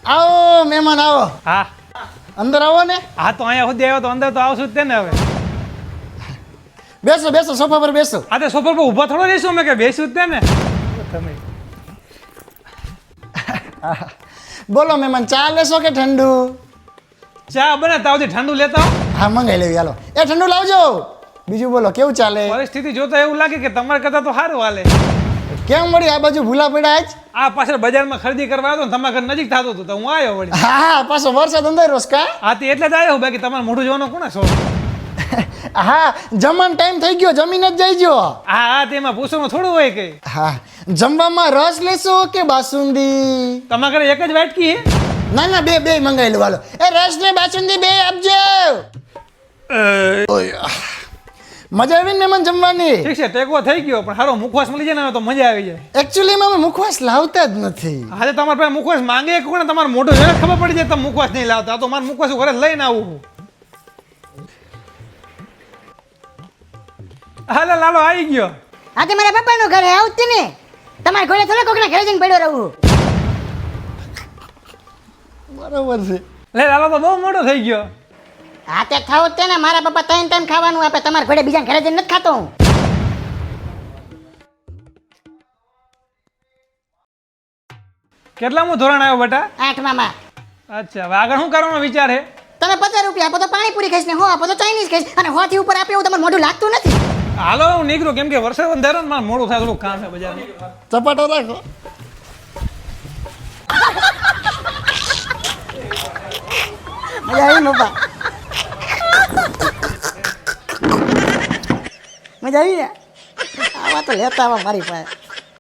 આવો મહેમાન આવો, હા અંદર આવો ને. હા તો અહીંયા સુધી આવ્યો તો અંદર તો આવશું જ તે ને હવે. બેસો બેસો, સોફા પર બેસો. આ તો સોફા પર ઊભા થોડો રહીશું અમે કે બેસું જ તે ને તમે. બોલો મહેમાન, ચા લેશો કે ઠંડુ? ચા બને તાવથી ઠંડુ લેતા આવો. હા મંગાઈ લેવી, હાલો. એ ઠંડુ લાવજો. બીજું બોલો, કેવું ચાલે? પરિસ્થિતિ જોતા એવું લાગે કે તમારા કરતા તો સારું હાલે. કેમ મળી આ બાજુ ભૂલા પડ્યા આજ? આ પાછળ બજારમાં ખરીદી કરવા આવ્યો ને તમારા ઘર નજીક થતું હતું તો હું આવ્યો વળી. હા પાછો વરસાદ અંદર રોસ કા? હા તે એટલે જ આવ્યો, બાકી તમારે મોઢું જોવાનો કોને શોખ? હા જમવાનો ટાઈમ થઈ ગયો, જમીને જ જઈજો. હા હા તેમાં પૂછવાનું થોડું હોય કે. હા જમવામાં રસ લેશો કે બાસુંદી? તમારા ઘરે એક જ વાટકી હે? ના ના, બે મંગાઈ લો, હાલો. એ રસ ને બાસુંદી બે આપજો. મજા આવી ને મહેમાન જમવાની? ઠીક છે, ટેકો થઈ ગયો પણ સારો મુખવાસ મળી જાય ને તો મજા આવી જાય. એકચ્યુઅલી અમે મુખવાસ લાવતા જ નથી. આજે તમારા પાસે મુખવાસ માંગે કોને? તમારું મોઢું જોઈને ખબર પડી જાય તમે મુખવાસ નહીં લાવતા. આ તો મારે મુખવાસ ઘરે લઈને આવું. હાલે લાલો આવી ગયો. હા તે મારા પપ્પાનું ઘર હે, આવતી ને તમારા ઘરે થોડા કોકના ઘરે જઈને પડ્યો રહું. બરોબર છે. લે લાલો તો બહુ મોટો થઈ ગયો. હા તે ખાવ તે ને, મારા પપ્પા ત્રણ ટાઈમ ખાવાનું આપે, તમારા ઘરે બીજા ઘરે જઈને નથી ખાતો હું. કેટલામું ધોરણ આવ્યો બેટા? 8માં માં. અચ્છા, હવે આગળ શું કરવાનો વિચાર છે? તમે 50 રૂપિયા આપો તો પાણીપુરી ખાઈશ ને 100 આપો તો ચાઇનીઝ ખાઈશ, અને 100 થી ઉપર આપે એવું તમારું મોઢું લાગતું નથી. હાલો હું નીકળું, કેમ કે વરસાદ વધારે ને મારે મોડું થાય, થોડું કામ છે બજારમાં. ચપાટો રાખો. મજા આવી ને પપ્પા? મજા આવી ને? આવા તો લેતા આવા મારી પાસે.